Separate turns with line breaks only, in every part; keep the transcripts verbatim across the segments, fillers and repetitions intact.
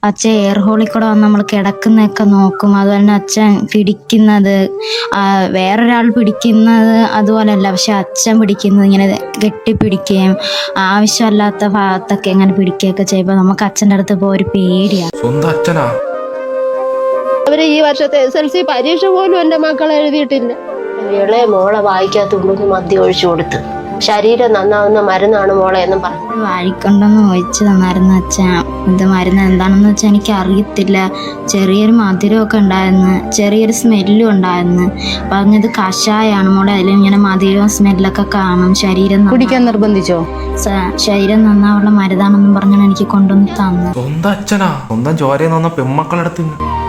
അച്ഛൻ എയർ ഹോളിൽ കൂടെ വന്ന് നമ്മൾ കിടക്കുന്നതൊക്കെ നോക്കും. അതുപോലെ തന്നെ അച്ഛൻ പിടിക്കുന്നത് വേറൊരാൾ പിടിക്കുന്നത് അതുപോലെയല്ല, പക്ഷെ അച്ഛൻ പിടിക്കുന്നത് ഇങ്ങനെ കെട്ടിപ്പിടിക്കുകയും ആവശ്യമല്ലാത്ത ഭാഗത്തൊക്കെ ഇങ്ങനെ പിടിക്കുകയൊക്കെ ചെയ്യുമ്പോൾ നമുക്ക് അച്ഛൻ്റെ അടുത്ത് പോയി ഒരു പേടിയാണ്.
സ്വന്തം അച്ഛനാ?
അവര് ഈ വർഷത്തെ എസ് എൽ സി പരീക്ഷ പോലും എന്റെ മക്കൾ എഴുതിയിട്ടില്ല. ഇളയ മോളെ വായിക്കാത്തുണ്ടെന്ന് മദ്യം ഒഴിച്ചു കൊടുത്ത് ശരീരം നന്നാവുന്ന മരുന്നാണ് മോളെ എന്നും പറഞ്ഞു.
വാഴിക്കൊണ്ടെന്ന് ഒഴിച്ച് തന്നായിരുന്നു അച്ഛൻ. ഇത് മരുന്ന് എന്താണെന്ന് വെച്ചാൽ എനിക്ക് അറിയത്തില്ല. ചെറിയൊരു മധുരമൊക്കെ ഉണ്ടായിരുന്നു, ചെറിയൊരു സ്മെല്ലും ഉണ്ടായിരുന്നു. പറഞ്ഞത് കഷായാണ് മോളെ, അതിൽ ഇങ്ങനെ മധുരവും സ്മെല്ലൊക്കെ കാണും. ശരീരം
കുടിക്കാൻ നിർബന്ധിച്ചോ?
ശരീരം നന്നാവുള്ള മരുന്നാണെന്നും പറഞ്ഞാണ് എനിക്ക് കൊണ്ടുവന്ന് തന്നത്.
സ്വന്തം അച്ഛനാ? സ്വന്തം ചോരയെന്ന് വന്ന പെമ്മക്കളടുത്ത്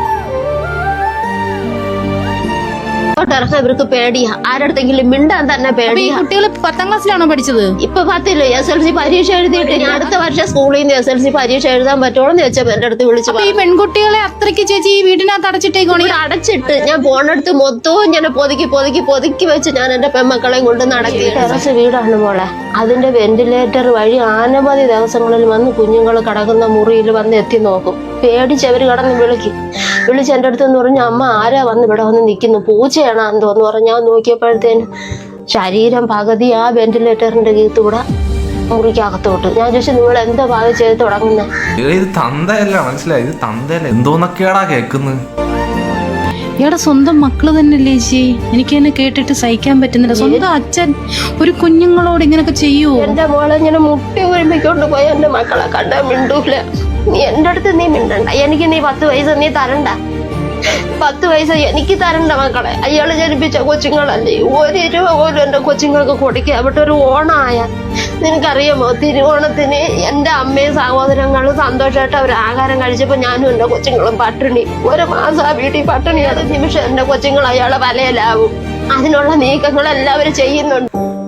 ഇറങ്ങാൻ ഇവർക്ക് പേടിയാ. ആരടുത്തെങ്കിലും മിണ്ടാൻ തന്നെ പേടിയാ.
കുട്ടികൾ പത്താം ക്ലാസ്സിലാണോ പഠിച്ചത്?
ഇപ്പൊ പത്തില്ല, എസ് എൽ സി പരീക്ഷ എഴുതിയിട്ട് ഞാൻ അടുത്ത വർഷം സ്കൂളിൽ നിന്ന് എസ് എൽ സി പരീക്ഷ എഴുതാൻ പറ്റുമോ എന്ന് വെച്ചാൽ എന്റെ അടുത്ത് വിളിച്ചു.
ഈ പെൺകുട്ടികളെ അത്രയ്ക്ക് ചേച്ചി ഈ വീടിനകത്ത് അടച്ചിട്ടേക്കോണി?
അടച്ചിട്ട് ഞാൻ പോണടുത്ത് മൊത്തവും ഞാൻ പൊതുക്കി പൊതുക്കി പൊതുക്കി വെച്ച് ഞാൻ എന്റെ പെമ്മക്കളെയും കൊണ്ട് നടക്കി. ടെറസ് വീടാണ് മോളെ. അതിന്റെ വെന്റിലേറ്റർ വഴി അനവധി ദിവസങ്ങളിൽ വന്ന് കുഞ്ഞുങ്ങൾ കിടക്കുന്ന മുറിയിൽ വന്ന് എത്തി നോക്കും. പേടിച്ചവര് കടന്ന് വിളിക്കും. വിളിച്ച് എൻ്റെ അടുത്തെന്ന് പറഞ്ഞു, അമ്മ ആരാ വന്ന് ഇവിടെ വന്ന് നിൽക്കുന്നു, പൂച്ചയാണോ എന്തോന്ന് പറഞ്ഞു. ഞാൻ നോക്കിയപ്പോഴത്തേനും ശരീരം പകുതി ആ വെന്റിലേറ്ററിന്റെ കീത്തൂടെ മുറിക്കകത്തോട്ട്. ഞാൻ ചോദിച്ചു, നിങ്ങൾ എന്താ ഭാവം ചെയ്ത് തുടങ്ങുന്നത്?
ഇത് തന്തയല്ല, മനസ്സിലായി? ഇത് തന്തയല്ല, എന്തോന്നൊക്കെയാടാ കേൾക്കുന്നത്.
ഇയാടെ സ്വന്തം മക്കള് തന്നെയല്ലേ ചേച്ചി? എനിക്ക് എന്നെ കേട്ടിട്ട് സഹിക്കാൻ പറ്റുന്നില്ല. സ്വന്തം അച്ഛൻ ഒരു കുഞ്ഞുങ്ങളോട് ഇങ്ങനൊക്കെ ചെയ്യൂ?
എന്റെ മോളെ ഇങ്ങനെ മുട്ടി ഒരുമിക്കൊണ്ട് പോയി എന്റെ മക്കളെ കണ്ടാ മിണ്ടൂല. നീ എന്റെ അടുത്ത് നീ മിണ്ടണ്ട. എനിക്ക് നീ പത്ത് പൈസ നീ തരണ്ട. പത്ത് പൈസ എനിക്ക് തരണ്ട മക്കളെ. അയാള് ജനിപ്പിച്ച കൊച്ചുങ്ങളല്ലേ. ഒരു രൂപ പോലും എന്റെ കൊച്ചുങ്ങൾക്ക് കൊടുക്കുക. അവിടെ ഒരു ഓണമായ നിനക്കറിയാമോ, തിരുവോണത്തിന് എന്റെ അമ്മയും സഹോദരങ്ങളും സന്തോഷമായിട്ട് അവർ ആഹാരം കഴിച്ചപ്പോ ഞാനും എന്റെ കൊച്ചുങ്ങളും പട്ടിണി. ഒരു മാസം ആ വീട്ടിൽ പട്ടിണിയാണ്. നിമിഷം എന്റെ കൊച്ചുങ്ങൾ അയാളെ വലയിലാവും. അതിനുള്ള നീക്കങ്ങൾ എല്ലാവരും ചെയ്യുന്നുണ്ട്.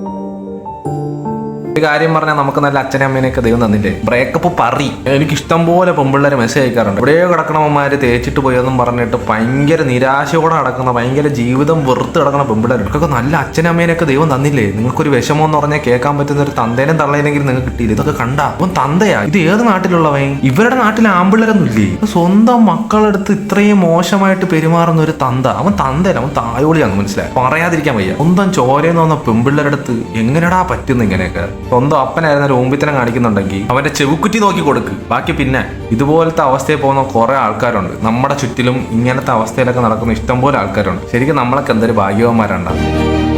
ഒരു കാര്യം പറഞ്ഞാൽ നമുക്ക് നല്ല അച്ഛനും അമ്മേനെയൊക്കെ ദൈവം തന്നില്ലേ. ബ്രേക്കപ്പ് പറി. എനിക്ക് ഇഷ്ടം പോലെ പെമ്പിള്ളേരെ മെസ്സേജ് അയക്കാറുണ്ട്. എവിടെയോ കിടക്കണമ്മമാര് തേച്ചിട്ട് പോയെന്നും പറഞ്ഞിട്ട് ഭയങ്കര നിരാശയോടെ നടക്കുന്ന, ഭയങ്കര ജീവിതം വെറുത്ത് കിടക്കുന്ന പെമ്പിള്ളേരുണ്ട്. ഇതൊക്കെ നല്ല അച്ഛനും അമ്മേനെയൊക്കെ ദൈവം തന്നില്ലേ. നിങ്ങൾക്കൊരു വിഷമം എന്ന് പറഞ്ഞാൽ കേൾക്കാൻ പറ്റുന്ന ഒരു തന്തേനും തള്ളേനെങ്കിലും നിങ്ങൾക്ക് കിട്ടിയില്ല. ഇതൊക്കെ കണ്ടാ അപ്പം തന്തയാ? ഇത് ഏത് നാട്ടിലുള്ളവൻ? ഇവരുടെ നാട്ടിലെ ആമ്പിള്ളേരൊന്നും ഇല്ലേ? സ്വന്തം മക്കളെടുത്ത് ഇത്രയും മോശമായിട്ട് പെരുമാറുന്ന ഒരു തന്ത. അവൻ തന്തയല്ല, അവൻ തായോളിയാന്ന് മനസ്സിലായി. പറയാതിരിക്കാൻ വയ്യ. സ്വന്തം ചോരയെന്ന് വന്ന പെമ്പിള്ളേരടുത്ത് എങ്ങനെടാ പറ്റുന്ന ഇങ്ങനെയൊക്കെ? സ്വന്തം അപ്പനായിരുന്ന ഒരു ഓമ്പിത്തനം കാണിക്കുന്നുണ്ടെങ്കിൽ അവന്റെ ചെവുക്കുറ്റി നോക്കി കൊടുക്ക്. ബാക്കി പിന്നെ ഇതുപോലത്തെ അവസ്ഥയിൽ പോകുന്ന കുറെ ആൾക്കാരുണ്ട് നമ്മുടെ ചുറ്റിലും. ഇങ്ങനത്തെ അവസ്ഥയിലൊക്കെ നടക്കുന്ന ഇഷ്ടംപോലെ ആൾക്കാരുണ്ട്. ശരിക്കും നമ്മളൊക്കെ എന്തൊരു ഭാഗ്യവാന്മാരുണ്ടാവും.